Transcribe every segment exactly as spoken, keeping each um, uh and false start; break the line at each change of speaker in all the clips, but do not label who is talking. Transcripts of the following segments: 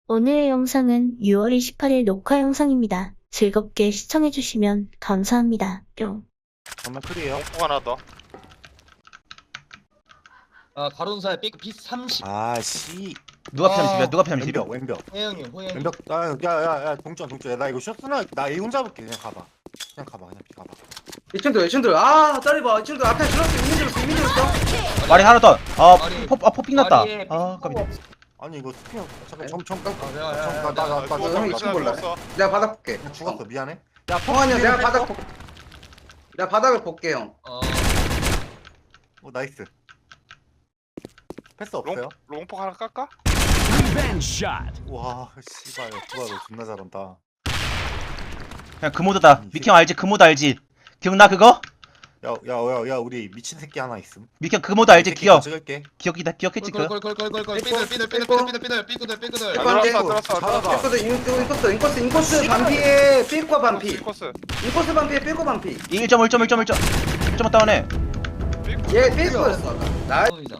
오늘의 영상은 유월 이십팔일 녹화 영상입니다. 즐겁게 시청해주시면 감사합니다. 뿅.
정말 클이에요.
뽕 하나 더.
아 가론사의 삐 피 삼십.
아씨.
누가 피하면
아,
집이야? 누가 피하면
왼벽
집이야?
왼벽
호영이 호영이.
왼벽. 아야야야 동전 동전. 나 이거 쇼스나 나 A 혼자 볼게. 그냥 가봐. 그냥 가봐 그냥 가봐.
이 친구들 이 친구들 아 짜리봐 이 친구들 앞에 줄었어 이미 줄었어 이미 줄었어
말이 하나 더. 아,
말이-
포, 아, 포핑 났다.
말이-
아, 깜이.
아니 이거 스피어 잠깐 점점
아, 야, 야, 야, 야,
나나나
나 형이 이층 볼래? 내가 바닥 볼게
그냥 죽었어. 미안해.
성환이 형 내가 바닥 볼 내가 바닥을 볼게 형
어.
어 나이스. 패스 없어요?
롱, 롱폭 하나 깎아?
와 씨발 두바 너 존나 잘한다.
그냥 그 모드다. 미형 알지? 그 모드 알지? 기억나 그거?
야야야야 우리 미친 새끼 하나 있음.
미형 그 모드 알지?
새끼
기억.
찍을게.
기억이다. 기억했지 그거?
꼴꼴꼴꼴꼴꼴 삐들 삐들 삐들 삐들 삐들 삐들 삐들 삐들.
아,
삐-
들었어 들었어
잡아봐.
들었어.
인코스 인코스 인코스 인코스 반피에 삐꼬 반피
코스.
인코스 반피에 삐꼬 반피
일 점 일 점 일 점 일 점. 일 점 다운해.
얘 삐꼬였어 아까 나
이자.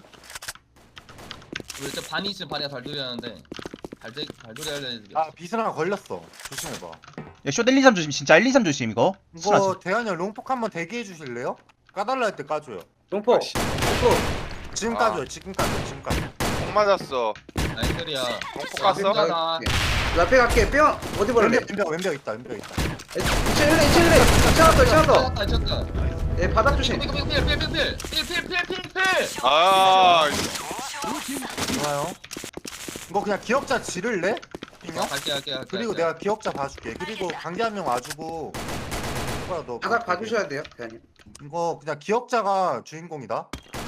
우리 진짜 반이 있으면 반이야 달돌이 하는데 달돌이 달돌이 하려는 애들이.
아 비스랑 걸렸어. 조심해봐.
야, 쇼 일, 이, 삼 조심. 진짜 일, 이, 삼 조심 이거. 순하지.
이거 대한이 형 롱폭 한번 대기해 주실래요? 까달라 할 때 까줘요.
동포
아씨.
동포
지금
아.
까줘요. 지금 까줘요. 지금 까줘.
뽕 맞았어.
나이스리야.
롱폭
아,
깠어?
나-
나 앞에 갈게 뿅 어디 볼래
왼벽 왼벽 왼벽 있다. 왼벽 있다.
이층일래 이층일래 이층았어 이층았어
쳤다 쳤다.
얘 바닥 조심
삐삐삐삐삐삐삐삐삐삐삐.
아,
좋아요. 이거 그냥 기억자 지를래?
어? 갈게 갈게 갈게.
그리고 내가 기억자 봐줄게. 그리고 강제 한 명 와주고. 오빠 너
바닥 봐주셔야 돼요 대한님
이거 그냥 기억자가 주인공이다.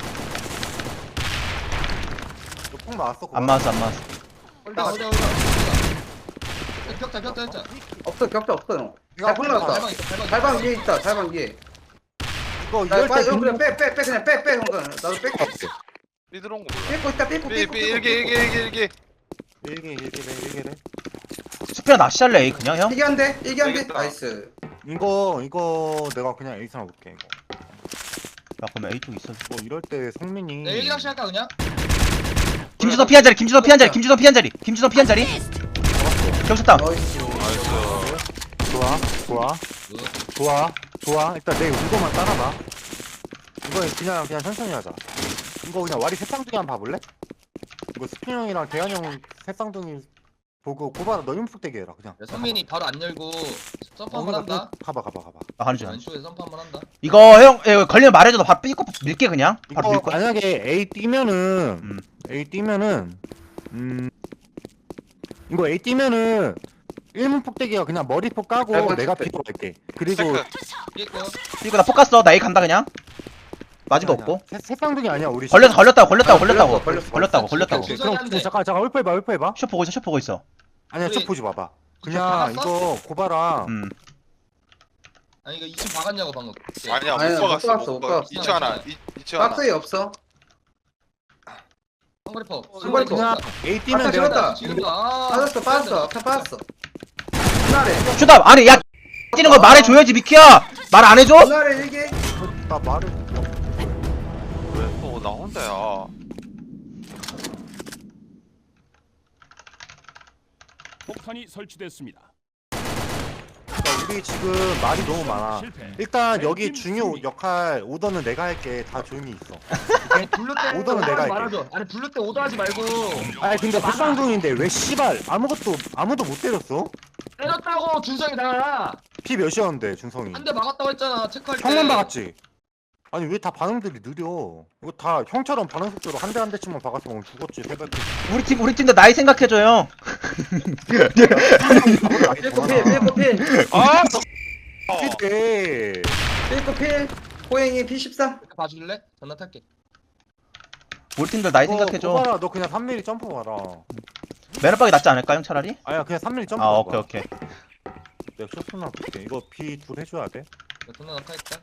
이거 폭 나왔어.
안 맞았어, 안 맞았어.
나 어디 어디. 격자 격자 격자.
없어 격자 없어 형
이거
잘 폭 나왔다
달방 있어 달방.
달방 위에 있다 달방 위에
이거
나
이럴
빨리
때
형 그냥 빼빼 빼 그냥 빼빼 형 그냥 나도 뺄게
삐들 온거 몰라.
삐고 있다 삐고
삐,
삐고
삐, 일기, 일기, 일기, 일기.
일개 일개래 일개래.
수피야 낚시할래 A 그냥 형?
이게 한대 이게 한대
알겠다.
나이스
이거 이거 내가 그냥 에이스나 볼게 이거.
야, 그러면 A 쪽 있어.
뭐 이럴 때 성민이.
내 일기 낚시 할까 그냥?
김주성 피한 자리. 김주성 피한 자리. 김주성 피한 자리. 김주성 피한 자리. 경쳤다.
나이스
나이스.
좋아 좋아 좋아 좋아. 일단 내 의도만 따라봐. 이거 그냥 그냥 천천히 하자. 이거 그냥 와리 새쌍둥이 한번 봐볼래? 이거 스피 형이랑 대한 형 새쌍둥이 보고 고바라 너 흉폭 대기 해라 그냥.
야, 선민이 바로 안 열고 점프
어,
한번
그러니까
한다.
가봐 가봐 가봐.
아, 하는 줄 알았어.
왼쪽에 점프 한번 한다.
이거 형, 예, 걸리면 말해줘. 너 바로 삐고 밀게 그냥. 바로
이거
밀 거야.
만약에 A 뛰면은
음.
A 뛰면은 음 이거 A 뛰면은 일문 폭대기가 그냥 머리폭 까고
약간
내가
스펙.
B로 갈게. 그리고
체크.
삐고.
이거 나 포커스. 나 A 간다 그냥. 맞은 거
아니야,
없고.
새- 새쌍둥이 아니야 우리.
걸렸어, 걸렸다고, 걸렸다고,
아,
걸렸다고.
걸렸어, 걸렸어.
걸렸다고,
오케이,
걸렸다고.
오케이.
주선이
그럼
안 돼.
잠깐 잠깐 홀프 해봐 홀프 해봐.
쇼 보고 있어, 쇼 보고 있어.
아니야
우리-
첫 보지 마봐. 그냥
박았어?
이거 고바라.
음.
아니 이거 이 층 박았냐고 방금.
아니야,
아니야,
못
못
박았어.
박았어,
못
못
박았어.
박았어.
이 층 하나. 이- 이 층 하나.
박스에 없어
한거리퍼.
한거리
그냥 A 뛰면
아까
내가
찍었다.
지금다. 아.
빠졌어 빠졌어 앞에 빠졌어 분할해
쇼다. 아니, 야, 뛰는 걸 말해줘야지, 미키야. 말 안 해줘?
분할해 이게
나 말을.
왜 또 나 혼자야?
폭탄이 설치됐습니다.
그러니까 우리 지금 말이 너무 많아.
실패.
일단 여기
왼팀
중요
승리.
역할 오더는 내가 할게. 다 조용히 있어.
아니 블루 때
오더는 내가 할게.
말아줘. 아니 블루 때 오더하지 말고.
아니 근데 새쌍둥이인데 왜 씨발 아무것도 아무도 못 때렸어?
때렸다고 준성이 나.
피 몇이었는데 준성이.
한 대 막았다고 했잖아. 체크할 때.
형만 박았지? 아니 왜 다 반응들이 느려? 이거 다 형처럼 반응 속도로 한 대 한 대씩만 박았으면 죽었지 새벽에.
우리 팀, 우리 팀도 나이 생각해줘, 형.
삐고 필 삐고 필
아!
피대.
삐고 필 호행이 피 십삼
봐줄래? 전화 탈게.
우리 팀도 나이 생각해줘.
고바라 너 그냥 삼 밀리 점프 봐라.
매너박이 낫지 않을까, 형 차라리?
아야 그냥 삼 밀리 점프.
아,
봐봐.
오케이, 오케이.
내가 쇼트나 볼게. 이거 비 둘 해줘야 돼.
전화 낙하했다.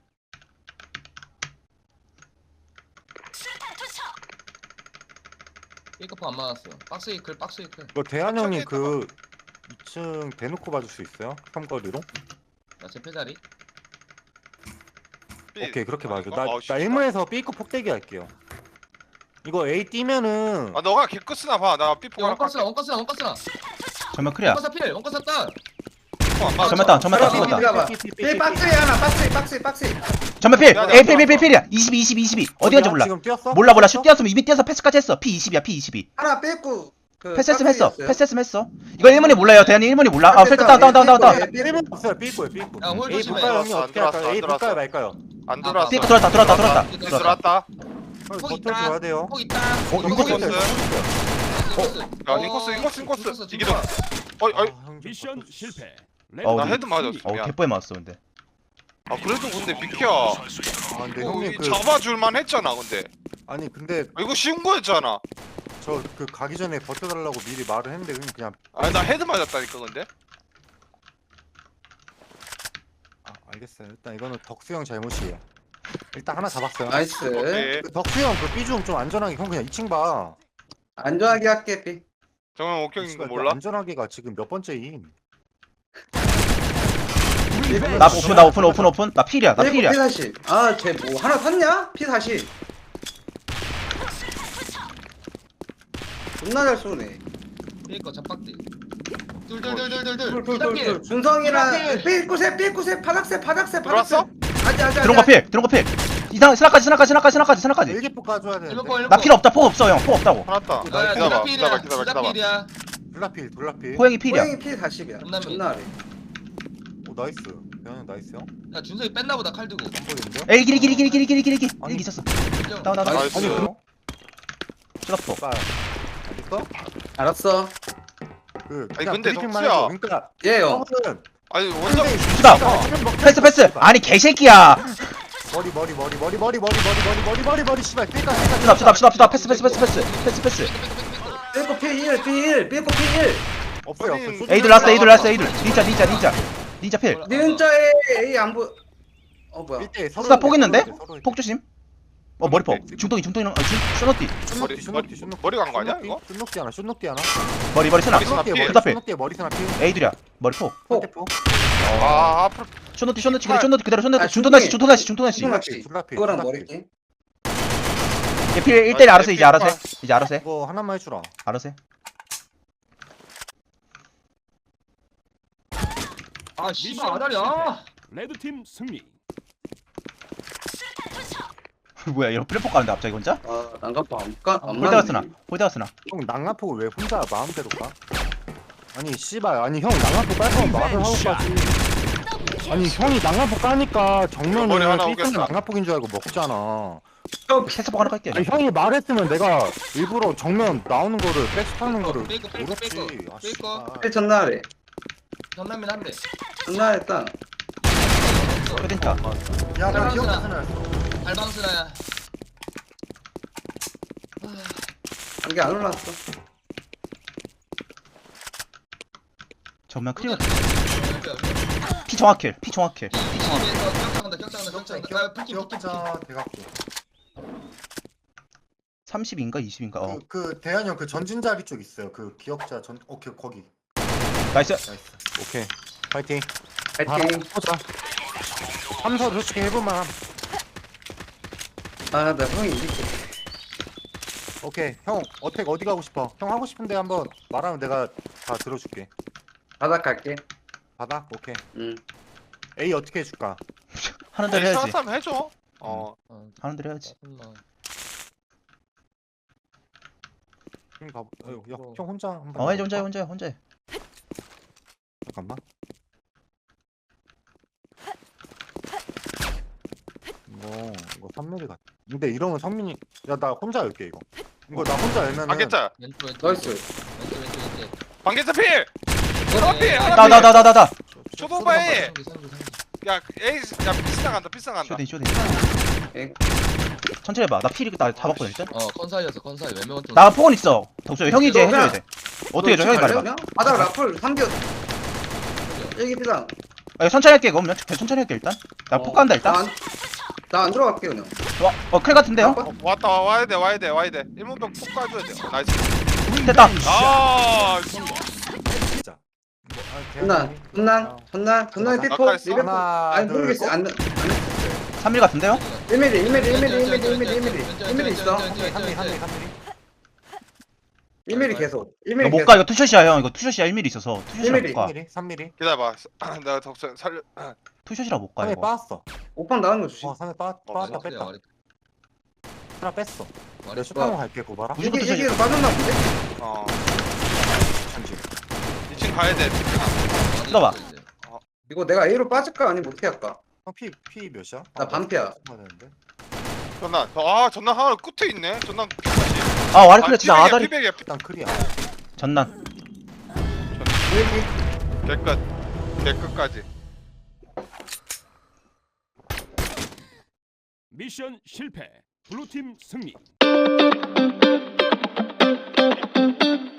삐커퍼 안 맞았어. 박스 이클 박스 이클.
이거 대한 형이 그 이 층 대놓고 봐줄 수 있어요? 삼거리로?
나 제패 자리.
삐.
오케이 그렇게
아니,
봐줘.
이거?
나,
어,
나
씨발.
일문에서 삐고 폭대기 할게요. 이거 A 뛰면은
아 너가 개끄스나 봐나 삐뽀
야 원가스나 원가스나 원가스나
정면 크리야.
원가스 필 원가스 딸
안 맞아.
정면 다운 정면 다운
삐,
정면
삐,
다운.
삐, 삐, 삐, 박스에 하나 박스에 박스에 박스에
정면 필.
야, 야,
A 필 필 필 필이야. 이십이 이십이 이십이. 어디 간지 몰라.
지금 뛰었어?
몰라 몰라. 슛
뛰었어?
뛰었으면 이미 뛰어서 패스까지 했어. P 이십이야 P 이십이.
하나 뺐고 그
패스했으면 했어.
박스에
패스했으면 했어. 이거 일 문이 몰라요. 대현이 일 문이 몰라. 아
있어요.
필터 다운 다운 다운 다운 다운.
삐, 삐, 삐,
삐 없어요. 삐고요 삐고.
야, 홀
A
조심해.
볼까요 형님
안
어떻게 할까요?
들어왔어,
A
안
볼까요
들어왔어.
말까요?
안 들어왔어.
삐 들어왔다 들어왔다 들어왔다.
삐
들어왔다.
들어왔다.
폭
버텨
있다.
줘야 돼요.
폭 있다
어
인코스
인코스
있어요?
인코스
야 인코스 인코스 인코스 이기동. 어이 어이
미션 실패.
어,
나
네.
헤드 맞았어.
어
미안.
개뽀에 맞았어 근데.
아 그래도 근데 비켜.
아 근데
어,
형님
이
그
잡아줄만 했잖아 근데.
아니 근데
아, 이거 쉬운 거였잖아.
저 그 가기 전에 버텨달라고 미리 말을 했는데 형님 그냥
아니 나 헤드 맞았다니까 근데.
아 알겠어요. 일단 이거는 덕수 형 잘못이에요. 일단 하나 잡았어요.
나이스
오케이.
그 덕수 형그 삐중 좀 안전하게 형 그냥 이 층 봐.
안전하게 할게 삐
정면 옥경인 거
씨발,
몰라?
안전하게가 지금 몇 번째임?
나 오픈 나 오픈 오픈 오픈. 나 필이야. 나 필이야.
피 사십 아쟤 뭐 하나 샀냐? 피 사십 존나 잘 쏘네
삐거 잡박대 둘둘둘둘둘둘
둘둘둘둘 준성이랑 삐꾸새 삐꾸새 바닥새 바닥새 바닥새
들어왔어?
아직 아직
들어온 거 필. 들어온 거 필. 이상 스나까지 스나까지 스나까지 스나까지 스나까지.
일기포 까줘야 되는데.
일번 거 일번
나 필 없다. 폭 없어 형. 폭 없다고.
하나다.
야야
기다봐
둘다
기다봐
필이야
기다봐
둘다
기다봐.
필이야
블라필 블라필.
호영이 필이야.
호영이 피 사십이야
존나
존나 아래
오 나이스. 대현 나이스요.
야 준석이 뺐나 보다 칼 들고
안 보이는데요?
에이 길이 길이 길이 길이 길이 길이 길이.
아니.
일기 있었어.
인정.
다운 다운 다운.
나이스.
아니 그럼
슈퍼.
까 알겠어?
알았어
그
아니,
그냥
근데
브리핑만
덕수야.
해줘. 그러니까
예요
형은
아니 원정
주다. 패스 패스. 아니 개새끼야.
머리 머리 머리 머리 머리 머리 머리 머리 머리 머리 머리 씨발 삐까 삐까
주다 주다 주다 주다. 패스 패스 패스 패스 패스 패스.
삐꾸 피일 피일 삐꾸 피일
없어요 없어요.
에이들 라스트 에이들 라스트 에이들. 닌자 닌자 닌자. 닌자 필.
니은자에 A 안 보여 어 뭐야
일대 서로
수다 폭 있는데?
서로 서로
폭 조심. 어 머리 폭. 중동이 중동이. 아 중. 쇼너띠.
머리 머리 머리 간 거 아니야 이거?
슛녹디 하나 슛녹디 하나
머리 머리 스나.
머리 스나 피해.
수다 필.
슛녹디에 머리 스나 피
에이들이야. 머리 폭.
폭
아 앞으로
쇼너띠 쇼너띠 그대로 쇼너띠 그대로 쇼너띠.
아,
중동다시
중동이.
중동다시 중동다시.
중동낚시
줄라피
그거랑 머리끼
얘필 일 대 일 알아서 이제 알아서 해. 이제 알아서 해.
이거 하나만 해주라.
알아서 해.
아 씨발 아다리야
레드팀 승리.
뭐야 이런 플랫폼 가는데 갑자기 혼자?
아 난간파 안가 안
홀대가 쓰나? 홀대가 쓰나?
형 낭라포 왜 혼자 마음대로 까? 아니 씨발 아니 형 낭라포 깔 거면 말을 하고 까지. 아니 형이 낭라포 까니까
머리
정면을
하나
삐끗한
오겠어.
낭라포인 줄 알고 먹잖아.
패스복 하나 깔게.
아니 형이 말했으면 내가 일부러 정면 나오는 거를 백스타는 거를
삐꾸, 삐꾸,
모르지.
삐꾸,
아,
삐꾸.
씨발.
삐 전날에
전남민 한대
전날에 딱
쇼딘타.
야, 나
나
기억나.
발방스나야
안개 안 올랐어
정면 클리어. 피 정확킬. 피 정확킬.
이십에서 격장한다 격장한다 격장한다 아 풀킴 풀킴
기억자 대각도.
삼십인가 이십인가? 어.
그, 그 대한 형그 전진 자리 쪽 있어요. 그 기억자 전 오케이 거기.
나이스.
나이스. 오케이. 파이팅.
파이팅
보자. 삼서 솔직히 해볼만 함.
아나 형이 이길게
오케이. 형 어택 어디 가고 싶어? 형 하고 싶은데 한번 말하면 내가 다 들어줄게.
바닥 갈게
바닥? 오케이.
응
A 어떻게 해줄까?
하는 대로 해야지.
사람 해줘. 어
하는 대로 해야지.
형 가보. 어, 야, 형 혼자 한번.
어 해줘
가볼까?
혼자 해 혼자 해 혼자 해.
잠깐만. 이거 이거 선민이 같. 근데 이러면 선민이 야 나 혼자 열게 이거. 이거 나 혼자 열면은.
반개짜
왼쪽 왼쪽
나이스
왼쪽 왼쪽 왼쪽
반개짜 필. 하나 필 하나
나 나 나 나 나 나.
초도바에
상기 상기 상기
야 에이 야 비싸 간다 비싸 간다.
쇼딘 쇼딘.
에.
천천히 해봐. 나 필이 나 잡았거든 일단.
어 컨사이였어 컨사이 외면 같은
나 폭은 있어. 덕수 형이 이제 해줘야 돼. 어떻게 해줘? 형이 말해봐.
바닥 라플 삼겨 일기 피당
아, 이거 천천히 할게. 그럼 천천히 할게 일단. 나 폭 간다 일단.
나안 들어갈게 그냥
와, 어클 같은데 형?
어, 왔다 와, 와야 돼 와야 돼 와야 돼. 일문병 푹 까줘야 돼. 어, 나이스.
됐다.
아
진짜. 뭐, 아, 대한
전날
형이?
전날
아.
전날 전날 삐포
가까이 있어?
리베포
하나,
아니
둘,
모르겠어
셋.
안
삼 밀 같은데요?
일 밀리 일 밀리 일 밀리 일 밀리 일 밀리 일 밀리 일 밀리 있어
삼 밀리 삼 밀리 삼 밀리 삼 밀리
일 밀리 계속 일
이거
밀리
못 가. 이거 투샷이야 형. 이거 투샷이야. 일 밀 있어서 투샷이라 못
일
가.
삼 밀리 삼 밀리
기다려봐. 내가 덕선 살려.
투샷이라 못 가
삼 밀리
이거.
빠졌어
오빵 나가는 거 조심
어 삼 밀리 빠
어,
빠졌다
와리
뺐다
와리
하나 뺐어
와리
내가 슈퍼만 갈게 고바라
무조건
이게
투샷이야.
이게 빠졌나 본데?
어.
잠시
이 층 가야 돼.
뜯어봐.
이거 내가 A로 빠질까 아니면 어떻게 할까?
형피 피 몇이야?
나 반피야.
되는데
전난. 아 전난 하나 끝에 있네. 전난.
아 와리 클레 진짜 아다리.
피백이야.
일단 크리야
전난.
개끝. 개끝까지.
미션 실패. 블루팀 승리.